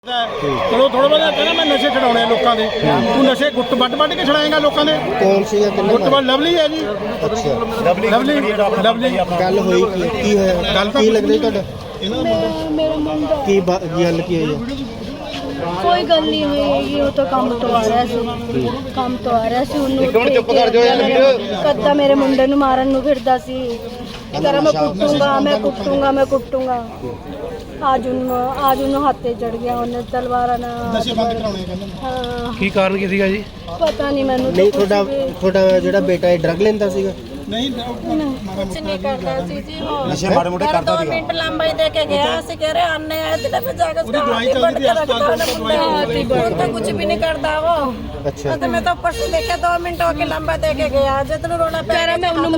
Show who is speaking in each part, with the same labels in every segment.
Speaker 1: चलो थोड़ा बहुत कहना मैं नशे छड़ाने लोगों के तू नशे गुट वट के छड़ाएगा लोगों के
Speaker 2: कौन सी
Speaker 1: गुट वट लवली है जी।
Speaker 2: अच्छा
Speaker 1: लवली लवली
Speaker 2: गल होई की होया
Speaker 1: गल
Speaker 2: की लग रही ਤੁਹਾਡਾ
Speaker 3: मेरा मुंडा
Speaker 2: की गल की होई
Speaker 3: कोई गल नहीं हुई वो तो काम तो आ रहा सी काम तो आ रहा सी ਉਹਨੂੰ ਚੁੱਪ ਕਰ ਜਾਓ ਯਾਰ ਕੱਦਾ ਮੇਰੇ ਮੁੰਡੇ ਨੂੰ ਮਾਰਨ ਨੂੰ ਫਿਰਦਾ ਸੀ ਕਰਾਂ ਮੈਂ ਕੁੱਟੂੰਗਾ आज उन्होंने हाथे चढ़ गया उन्हें तलवारा ना
Speaker 1: नशे बंद कराने ਕਹਿੰਦੇ
Speaker 3: हाँ
Speaker 4: ਕੀ ਕਾਰਨ ਕੀ ਸੀਗਾ ਜੀ
Speaker 3: पता नहीं मैंने
Speaker 2: नहीं ਤੁਹਾਡਾ ਜਿਹੜਾ ਬੇਟਾ ਹੈ ਡਰਗ ਲੈਂਦਾ ਸੀਗਾ
Speaker 1: नहीं
Speaker 3: कुछ नहीं करता सी जी वो
Speaker 1: नशे माड़े मोटे करता
Speaker 3: 2 मिनट लंबाई दे के गया सी कह रहे आने आए दिल पे जाकर
Speaker 1: ਉਹਦੀ ਦਵਾਈ ਚੱਲਦੀ ਹੈ ਹਸਪਤਾਲ
Speaker 3: तो कुछ भी नहीं करता वो
Speaker 2: अच्छा
Speaker 3: तो मैं तो ऊपर से देखा 2 मिनट होके लंबा दे के गया जितना रोना पे मैं उन्हें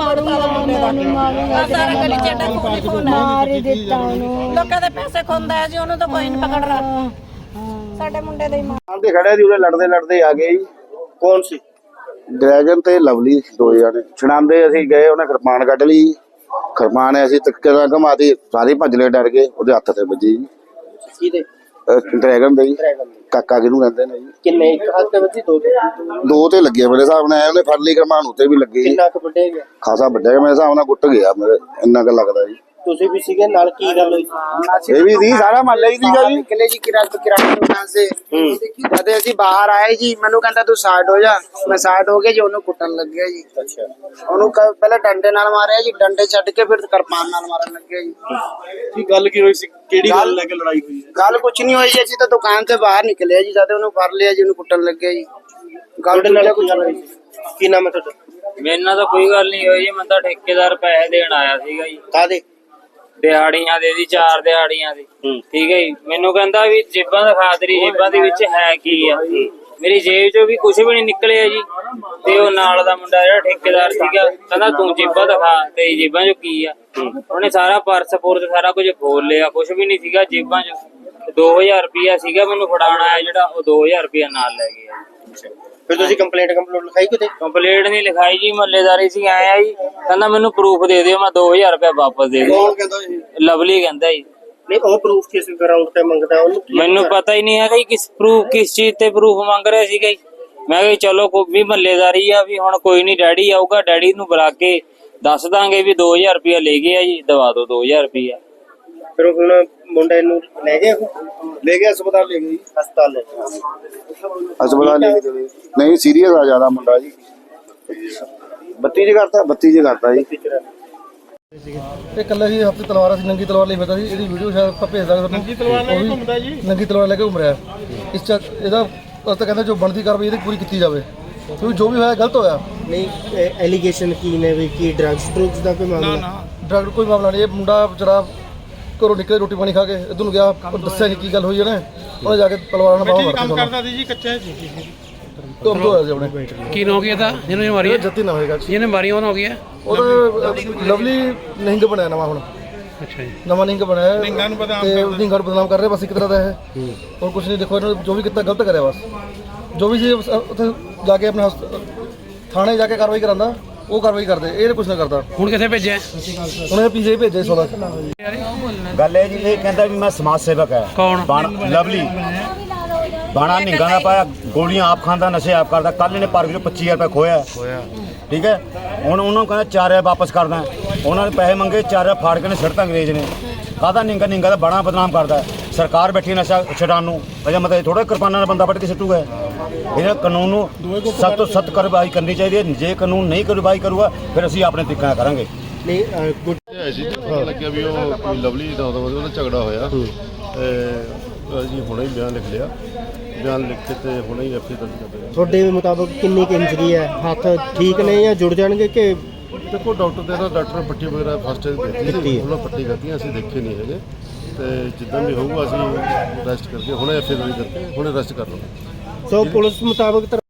Speaker 3: मारूंगा सारा गली चटा खून मार ही देता हूं लोगों ਦੇ ਪੈਸੇ ਖੁੰਦਾ ਹੈ ਜੀ ਉਹਨੂੰ ਤਾਂ ਕੋਈ ਨਹੀਂ ਪਕੜ ਰਿਹਾ ਸਾਡੇ ਮੁੰਡੇ ਦੇ ਮਾਂ
Speaker 5: ਤੇ ਖੜਿਆ ਸੀ ਉਹਦੇ ਲੜਦੇ ਆ ਗਏ ਜੀ।
Speaker 2: ਕੌਣ ਸੀ
Speaker 5: ਡਰੈਗਨ ਤੇ ਲਵਲੀ ਦੋ ਜਾਣੇ ਛਣਾਂਦੇ ਅਸੀਂ ਗਏ ਉਹਨੇ ਕਿਰਪਾਨ ਕੱਢ ਲਈ ਕਿਰਪਾਨ ਅਸੀਂ ਤੱਕੇ ਦਾ ਘਮਾਤੀ ਸਾਰੇ ਭੱਜ ਲਏ ਡਰ ਕੇ ਉਹਦੇ ਹੱਥ ਤੇ ਵੱਜੀ ਜੀ
Speaker 2: ਕਿਹਦੇ
Speaker 5: ਡਰੈਗਨ ਦੇ ਜੀ ਕਾਕਾ ਕਿਹਨੂੰ ਕਹਿੰਦੇ ਨੇ ਜੀ
Speaker 2: ਕਿੰਨੇ ਇੱਕ ਹੱਥ ਤੇ ਵੱਜੀ
Speaker 5: ਦੋ ਤੇ ਲੱਗੇ ਮੇਰੇ ਹਿਸਾਬ ਨਾਲ ਉਹਨੇ ਫੜ ਲਈ ਕਿਰਪਾਨ ਉੱਤੇ ਵੀ ਲੱਗੀ ਜੀ
Speaker 2: ਕਿੰਨਾ ਕੁ ਵੱਡੇ ਗਿਆ
Speaker 5: ਖਾਸਾ ਵੱਡਾ ਮੇਰੇ ਹਿਸਾਬ ਨਾਲ ਗੁੱਟ ਗਿਆ ਮੇਰੇ ਇੰਨਾ ਕੁ ਲੱਗਦਾ ਜੀ
Speaker 2: ਤੁਸੀਂ ਵੀ ਸੀਗੇ ਨਾਲ ਕੀ ਗੱਲ ਹੋਈ
Speaker 5: ਇਹ ਵੀ ਸੀ ਸਾਰਾ ਮਹੱਲਾ ਹੀ ਸੀਗਾ ਜੀ
Speaker 6: निकले जी किराने दुकान से जब ਅਸੀਂ ਬਾਹਰ ਆਏ ਜੀ ਮੈਨੂੰ ਕਹਿੰਦਾ ਤੂੰ ਸਾਈਡ ਹੋ ਜਾ ਮੈਂ ਸਾਈਡ ਹੋ ਗਿਆ ਜੀ ਉਹਨੂੰ ਕੁੱਟਣ ਲੱਗ ਗਿਆ ਜੀ
Speaker 2: ਅੱਛਾ
Speaker 6: ਉਹਨੂੰ ਪਹਿਲਾਂ ਡੰਡੇ ਨਾਲ ਮਾਰਿਆ ਜੀ ਡੰਡੇ ਛੱਡ ਕੇ ਫਿਰ ਕਿਰਪਾਨ ਨਾਲ ਮਾਰਨ ਲੱਗ ਗਿਆ ਜੀ
Speaker 2: ਕੀ ਗੱਲ ਕੀ ਹੋਈ ਸੀ ਕਿਹੜੀ ਗੱਲ ਲੈ ਕੇ ਲੜਾਈ ਹੋਈ
Speaker 6: ਗੱਲ ਕੁਛ ਨਹੀਂ ਹੋਈ ਜੀ ਅਸੀਂ ਤਾਂ ਦੁਕਾਨ ਤੋਂ ਬਾਹਰ ਨਿਕਲੇ ਜੀ ਜਦ ਉਹਨੂੰ ਫੜ ਲਿਆ ਜੀ ਉਹਨੂੰ ਕੁੱਟਣ ਲੱਗ ਗਿਆ ਜੀ ਗੱਲ
Speaker 2: ਤੁਹਾਡੇ ਨਾਲ ਕੁਝ ਹੋਈ ਕੀ ਨਾਮ ਹੈ ਤੁਹਾਡਾ
Speaker 7: ਮੇਰੇ ਨਾਲ ਤਾਂ ਕੋਈ ਗੱਲ ਨਹੀਂ ਹੋਈ ਜੀ। ਮੈਂ ਤਾਂ ਠੇਕੇਦਾਰ ਪੈਸੇ ਦੇਣ ਆਇਆ ਸੀਗਾ ਜੀ
Speaker 2: ਕਾਦੇ
Speaker 7: ਦਿਹਾੜੀਆਂ ਦੇ ਦੀ 4 ਦਿਹਾੜੀਆਂ ਦੀ ਠੀਕ ਹੈ ਜੀ। ਮੈਨੂੰ ਕਹਿੰਦਾ ਵੀ ਜੇਬਾਂ ਦਿਖਾ ਤੇਰੀ ਜੇਬਾਂ ਦੇ ਵਿੱਚ ਹੈ ਕੀ ਆ ਮੇਰੀ ਜੇਬ ਚੋਂ ਵੀ ਕੁਝ ਵੀ ਨਹੀਂ ਨਿਕਲਿਆ ਜੀ। ਤੇ ਉਹ ਨਾਲ ਦਾ ਮੁੰਡਾ ਜਿਹੜਾ ਠੇਕੇਦਾਰ ਸੀਗਾ ਕਹਿੰਦਾ ਤੂੰ ਜੇਬਾਂ ਦਿਖਾ ਤੇਰੀ ਜੇਬਾਂ ਚੋਂ ਕੀ ਆ। ਉਹਨੇ ਸਾਰਾ ਪਰਸ ਪੁਰਸ ਸਾਰਾ ਕੁਝ ਖੋਲ ਲਿਆ ਕੁਝ ਵੀ ਨਹੀਂ ਸੀਗਾ ਜੇਬਾਂ ਚ 2000 ਰੁਪਇਆ ਸੀਗਾ ਮੈਨੂੰ ਫੜਾਉਣ ਆਇਆ ਜਿਹੜਾ ਉਹ 2000 ਰੁਪਇਆ ਨਾਲ ਲੈ ਗਿਆ।
Speaker 2: ਫਿਰ ਤੁਸੀਂ ਕੰਪਲੇਂਟ ਲਿਖਾਈ ਕਿਤੇ
Speaker 7: ਕੰਪਲੇਂਟ ਨਹੀਂ ਲਿਖਾਈ ਜੀ ਮਹੱਲੇਦਾਰੀ ਸੀ ਆਇਆ ਜੀ ਕਹਿੰਦਾ ਮੈਨੂੰ ਪ੍ਰੂਫ ਦੇ ਦਿਓ ਮੈਂ 2000 ਰੁਪਇਆ ਵਾਪਸ ਦੇ ਦਿਓ।
Speaker 2: ਕੌਣ ਕਹਿੰਦਾ ਇਹ
Speaker 7: ਲਵਲੀ ਕਹਿੰਦਾ ਜੀ
Speaker 2: ਨਹੀਂ ਉਹ ਪ੍ਰੂਫ ਕਿਸ ਗਰਾਊਂਡ ਤੇ ਮੰਗਦਾ ਉਹਨੂੰ ਕੀ
Speaker 7: ਮੈਨੂੰ ਪਤਾ ਹੀ ਨਹੀਂ ਹੈਗਾ ਜੀ ਕਿਸ ਚੀਜ਼ ਤੇ ਪ੍ਰੂਫ ਮੰਗ ਰਿਹਾ ਸੀਗਾ ਜੀ। ਮੈਂ ਕਿਹਾ ਜੀ ਚਲੋ ਕੋਈ ਵੀ ਮਹੱਲੇਦਾਰੀ ਆ ਵੀ ਹੁਣ ਕੋਈ ਨਹੀਂ ਡੈਡੀ ਆਊਗਾ ਡੈਡੀ ਨੂੰ ਬੁਲਾ ਕੇ ਦੱਸ ਦਾਂਗੇ ਵੀ 2000 ਰੁਪਇਆ ਲੈ ਗਿਆ ਜੀ ਦਵਾ ਦਿਓ 2000 ਰੁਪਇਆ।
Speaker 2: ਫਿਰ ਹੁਣ ਮੁੰਡੇ ਨੂੰ ਲੈ ਗਏ
Speaker 5: ਲੈ ਗਿਆ ਹਸਪਤਾਲ ਲੈ ਗਈ
Speaker 2: ਹਸਪਤਾਲ ਲੈ
Speaker 5: ਹਸਪਤਾਲ ਲੈ ਕੇ ਨਹੀਂ ਸੀਰੀਅਸ ਆ ਜ਼ਿਆਦਾ ਮੁੰਡਾ ਜੀ 32 ਚ ਕਰਤਾ ਜੀ
Speaker 1: ਇਹ ਕੱਲਾ ਹੀ ਹੱਥ ਤਲਵਾਰ ਸੀ ਨੰਗੀ ਤਲਵਾਰ ਲਈ ਫਿਰਦਾ ਸੀ ਇਹਦੀ ਵੀਡੀਓ ਸ਼ਾਇਦ ਆਪਾਂ ਭੇਜ ਦਾਂਗੇ ਨੰਗੀ ਤਲਵਾਰ ਲੈ ਕੇ ਘੁੰਮਦਾ ਜੀ ਨੰਗੀ ਤਲਵਾਰ ਲੈ ਕੇ ਘੁੰਮ ਰਿਹਾ ਇਸ ਚ ਇਹਦਾ ਤਾਂ ਕਹਿੰਦਾ ਜੋ ਬਣਦੀ ਕਾਰਵਾਈ ਇਹਦੀ ਪੂਰੀ ਕੀਤੀ ਜਾਵੇ ਕਿਉਂਕਿ ਜੋ ਵੀ ਹੋਇਆ ਗਲਤ ਹੋਇਆ।
Speaker 2: ਨਹੀਂ ਐਲੀਗੇਸ਼ਨ ਕੀ ਨੇ ਵੀ ਕੀ ਡਰੱਗਸ ਦਾ ਕੋਈ ਮਾਮਲਾ
Speaker 1: ਡਰਗ ਕੋਈ ਮਾਮਲਾ ਨਹੀਂ ਇਹ ਮੁੰਡਾ ਵਿਚਾਰਾ ਘਰੋਂ ਨਿਕਲੇ ਰੋਟੀ ਪਾਣੀ ਖਾ ਕੇ ਇਧਰ ਨੂੰ ਗਿਆ ਦੱਸਿਆ ਨਹੀਂ ਕੀ ਗੱਲ ਹੋਈ ਉਹਨੇ ਉਹਨੇ ਜਾ ਕੇ ਤਲਵਾਰ ਨਾਲ ਬਾਹਰ ਕੰਮ ਕਰਦਾ ਸੀ ਜੀ ਕੱਚਾ ਤੋਂ ਹੋਇਆ ਜੀ ਆਪਣੇ
Speaker 4: ਕੀ ਹੋ ਗਿਆ ਤਾਂ ਜਿਹਨੇ ਮਾਰੀ ਹੈ
Speaker 1: ਜੱਤੀ ਨਾ ਹੋਏਗਾ
Speaker 4: ਜਿਹਨੇ ਮਾਰੀ ਉਹਨਾਂ ਹੋ ਗਿਆ
Speaker 1: ਉਹਦਾ ਲਵਲੀ ਨਿਹੰਗ ਬਣਿਆ ਨਵਾਂ ਹੁਣ
Speaker 4: ਅੱਛਾ ਜੀ
Speaker 1: ਨਵਾਂ ਨਿਹੰਗ ਬਣਿਆ ਨਿਹੰਗਾਂ ਨੂੰ ਬਦਨਾਮ ਕਰ ਰਿਹਾ ਬਸ ਇੱਕ ਤਰ੍ਹਾਂ ਦਾ ਇਹ ਹੋਰ ਕੁਝ ਨਹੀਂ। ਦੇਖੋ ਇਹਨੇ ਜੋ ਵੀ ਕੀਤਾ ਗਲਤ ਕਰਿਆ ਬਸ ਜੋ ਵੀ ਸੀ ਉੱਥੇ ਜਾ ਕੇ ਆਪਣੇ ਥਾਣੇ ਜਾ ਕੇ ਕਾਰਵਾਈ ਕਰਾਂਦਾ ਉਹ ਕਾਰਵਾਈ ਕਰਦੇ ਇਹ ਕੁਝ ਨਾ ਕਰਦਾ।
Speaker 4: ਹੁਣ ਕਿੱਥੇ ਭੇਜਿਆ
Speaker 1: ਉਹਨੇ ਪੀਜੇ ਭੇਜੇ 16
Speaker 8: ਗੱਲ ਹੈ ਜੀ ਇਹ ਕਹਿੰਦਾ ਵੀ ਮੈਂ ਸਮਾਜ ਸੇਵਕ ਹੈ
Speaker 4: ਕੌਣ
Speaker 8: ਲਵਲੀ ਬਾਣਾ ਨਿੰਗਾ ਦਾ ਪਾਇਆ ਗੋਲੀਆਂ ਆਪ ਖਾਂਦਾ ਨਸ਼ੇ ਆਪ ਕਰਦਾ ਕੱਲ ਇਹਨੇ ਪਾਰਕ ਚੋਂ 25000 ਰੁਪਏ ਖੋਇਆ ਠੀਕ ਹੈ। ਹੁਣ ਉਹਨੂੰ ਕਹਿੰਦਾ 4000 ਵਾਪਸ ਕਰਦਾ ਉਹਨਾਂ ਨੇ ਪੈਸੇ ਮੰਗੇ 4000 ਫਾੜ ਕੇ ਨੇ ਸਿੱਟਤਾ ਅੰਗਰੇਜ਼ ਨੇ ਕਾਹਦਾ ਨਿੰਗਾ ਦਾ ਬੜਾ ਬਦਨਾਮ ਕਰਦਾ ਸਰਕਾਰ ਬੈਠੀ ਨਸ਼ਾ ਛਡਾਉਣ ਨੂੰ ਅਜਾ ਮਤਲਬ ਥੋੜਾ ਕਿਰਪਾਨਾਂ ਨਾਲ ਬੰਦਾ ਵੱਢ ਕੇ ਸਿੱਟੂਗਾ। ਇਹਨਾਂ ਕਾਨੂੰਨ ਨੂੰ ਸਖਤ ਤੋਂ ਸਖਤ ਕਾਰਵਾਈ ਕਰਨੀ ਚਾਹੀਦੀ ਹੈ। ਜੇ ਕਾਨੂੰਨ ਨਹੀਂ ਕਾਰਵਾਈ ਕਰੂਗਾ ਫਿਰ ਅਸੀਂ ਆਪਣੇ ਤਰੀਕੇ ਨਾਲ ਕਰਾਂਗੇ।
Speaker 2: ਨਹੀਂ
Speaker 9: ਜੀ ਪਤਾ ਲੱਗਿਆ ਵੀ ਉਹ ਕੋਈ ਲਵਲੀ ਦਾ ਉਹਦਾ ਝਗੜਾ ਹੋਇਆ ਤੇ ਅਸੀਂ ਹੁਣੇ ਹੀ ਬਿਆਨ ਲਿਖ ਲਿਆ ਬਿਆਨ ਲਿਖ ਕੇ ਤੇ ਹੁਣੇ ਹੀ ਐਫਆਈ ਦਰਜ ਕਰ ਲਿਆ।
Speaker 2: ਤੁਹਾਡੇ ਮੁਤਾਬਕ ਕਿੰਨੀ ਕੁ ਇੰਜਰੀ ਹੈ ਹੱਥ ਠੀਕ ਨੇ ਜਾਂ ਜੁੜ ਜਾਣਗੇ ਕਿ
Speaker 9: ਦੇਖੋ ਡਾਕਟਰ ਪੱਟੀ ਵਗੈਰਾ ਫਸਟ ਏਡ ਦਿੱਤੀ ਉਹਨਾਂ ਪੱਟੀ ਕਰਤੀ ਅਸੀਂ ਦੇਖੇ ਨਹੀਂ ਹੈਗੇ ਤੇ ਜਿੱਦਾਂ ਵੀ ਹੋਊਗਾ ਅਸੀਂ ਰੈਸਟ ਕਰਕੇ ਹੁਣੇ ਐਫਆਈ ਦਰਜ ਕਰਕੇ ਹੁਣੇ ਰੈਸਟ ਕਰ ਲਵਾਂਗੇ।
Speaker 2: ਸੋ ਪੁਲਿਸ ਮੁਤਾਬਕ